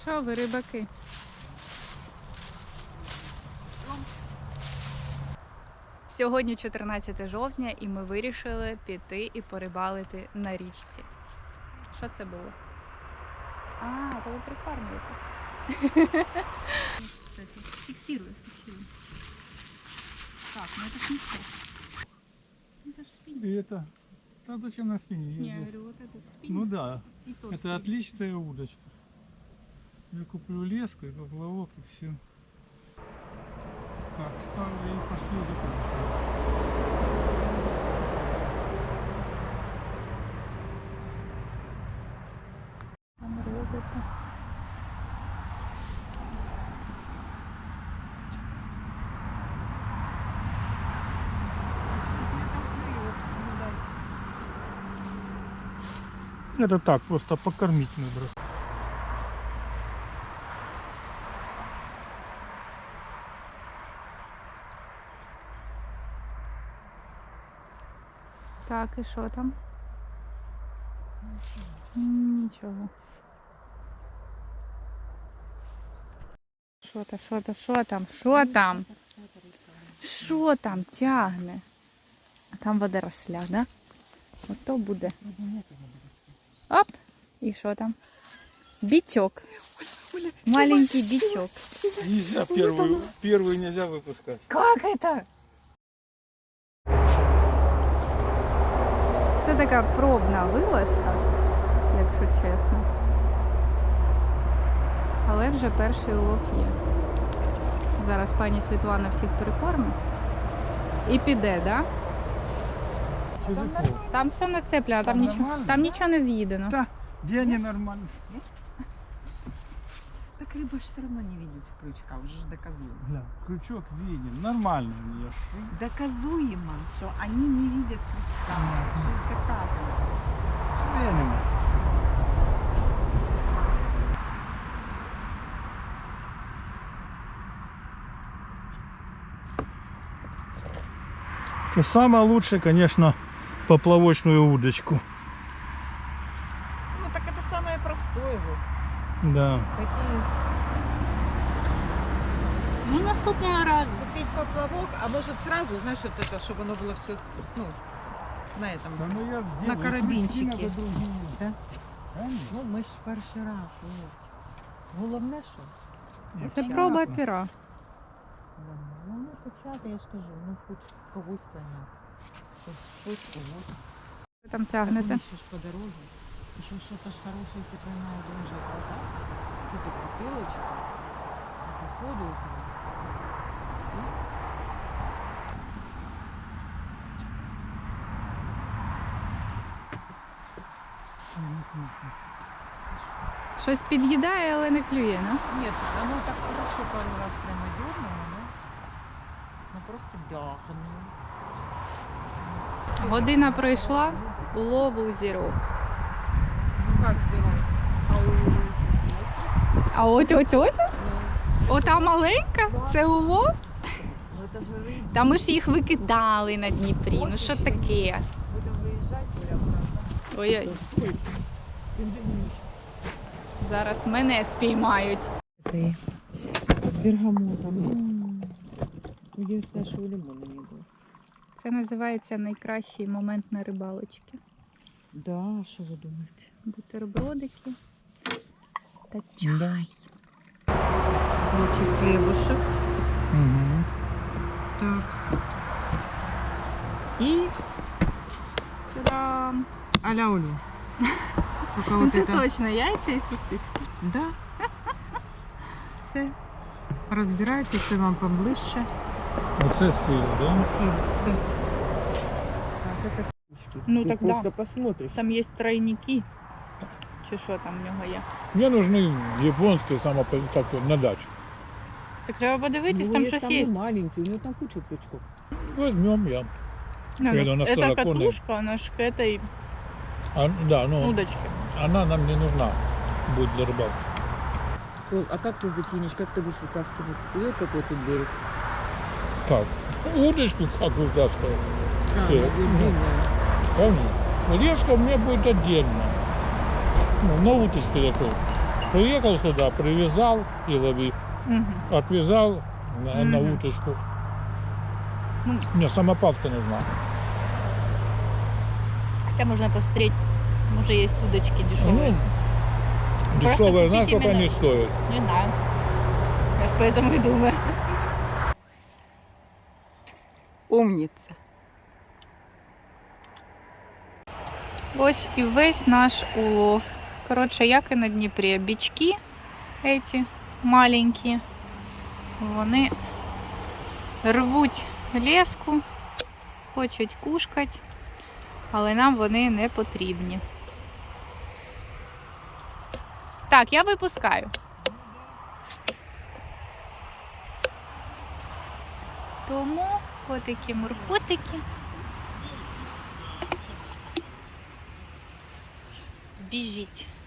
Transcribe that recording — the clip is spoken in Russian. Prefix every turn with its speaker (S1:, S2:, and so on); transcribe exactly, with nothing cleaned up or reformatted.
S1: що ви, рибаки? Сьогодні чотирнадцяте жовтня і ми вирішили піти і порибалити на річці. Що це було? А, то ви прикормлюєте. Фиксируй, фиксируй. Так, ну это ж не спиннинг. Это ж спиннинг.
S2: И это, да зачем на спине?
S1: Не, я говорю, вот этот спиннинг.
S2: Ну да,
S1: И тот
S2: это
S1: спиннинг.
S2: отличная удочка. Я куплю леску и поплавок и все. Так, ставлю и пошли закручивать.
S1: Там робите.
S2: Это так, просто покормить надо.
S1: Так, і що там? Нічого. Що то, що то, що там? Що там? Що там тягне? А там водоросля, да? Ото буде. Оп! І що там? Бичок. Маленький бичок.
S2: Нельзя первую, первую нельзя выпускать.
S1: Как это? Це така пробна вилазка, якщо чесно. Але вже перший улов є. Зараз пані Світлана всіх перекормить. І піде, да? Там все нацеплено, там,
S2: Там
S1: нічого,
S2: нормально?
S1: там нічого не з'їдено.
S2: Да, где они нормально?
S3: Так рыба же все равно не видит крючка, уже ж доказуемо.
S2: Гля, крючок виден, нормально я ши.
S3: Доказуемо, что они не видят крючка. Уже ж доказано.
S2: Да я не могу. И самое лучшее, конечно, поплавочную удочку.
S3: Ну так это самое простое вот.
S2: Да.
S3: Пойти
S1: Ну, наступного разу.
S3: купить поплавок, а может сразу, знаешь, вот это, чтобы оно было все, ну, на этом.
S2: Да ну я
S3: На
S2: сделаю,
S3: карабинчике.
S2: крючки надо другие.
S3: Да?
S2: Конечно.
S3: Ну ми ж перший раз. От. Головне, що?
S2: Нет,
S1: Це
S3: Понятно.
S1: проба пера.
S3: Ну не почати, я ж кажу, ну хоч когось поймати. Щось, щось когось.
S1: Ви там
S3: Так
S1: тягнете.
S3: вони ще ж по дорозі. Еще что-то ж хорошее, если поймает, он же продаст. Купит бутылочку. По ходу этого. И
S1: Щось під'їдає, але не клює, ну?
S3: нет, оно так хорошо пару раз прямо дернуло, но, но просто дягнуло.
S1: Година пройшла, улову зіро.
S3: Ну как зеро? А у...
S1: А от от от?
S3: Ну,
S1: Ота маленька? Це улов?
S3: ну это же рыба.
S1: Та ми ж їх викидали на Дніпрі. Ну що таке?
S3: Будем выезжать, прямо.
S1: Ой-ой. Зараз мене спіймають.
S3: Это с бергамотом. Единственное, что у лимона не было.
S1: Це називається найкращий момент на рибалочці.
S3: Да, что вы думаете?
S1: Бутербродики та
S2: Да.
S1: чай.
S3: Лучик хлебушек.
S2: Угу.
S3: Так. И
S1: Та-дам!
S3: а-ля Олю. Только
S1: Ну
S3: вот
S1: це
S3: это.
S1: точно яйця і сосиски.
S3: Да. Все. Разбирайте, все вам поближче.
S2: Оце сила, да?
S3: Сіль, все. Так, это
S1: Ну так да.
S3: просто посмотришь.
S1: Там є тройники. Чи що там в нього є?
S2: Мне нужны японские само как на дачу.
S1: Так треба подивитись,
S3: Ну,
S1: там
S3: есть
S1: щось є.
S3: маленький, у него там куча крючков.
S2: Возьмем я.
S1: Ну,
S2: Я на
S1: это
S2: второконной.
S1: катушка, она ж к этой
S2: А, да, ну
S1: удочке.
S2: она нам не нужна будет для рыбалки.
S3: Ой, а как ты закинешь, как ты будешь вытаскивать? Вот какой тут берег.
S2: Как? Удочку как вытаскивать?
S3: А,
S2: Всё.
S3: она будет
S2: Ну.
S3: длинная.
S2: Конечно. Леска у меня будет отдельно. Ну, на уточке такой. Приехал сюда, привязал и лови.
S1: Угу.
S2: Отвязал на, на
S1: Мгм.
S2: уточку.
S1: Ну.
S2: Мне самопалка нужна.
S1: Хотя можно посмотреть, может есть удочки дешевые.
S2: Ну,
S1: Просто
S2: дешевая, знаешь,
S1: купить
S2: сколько
S1: именно-
S2: они стоят?
S1: Не знаю. Я ж поэтому и думаю.
S3: Умница.
S1: Ось і весь наш улов. Коротше, як і на Дніпрі. Бички эти маленькі, вони рвуть леску, хочуть кушкати, але нам вони не потрібні. Так, я випускаю. Тому отакі муркотики. Біжіть.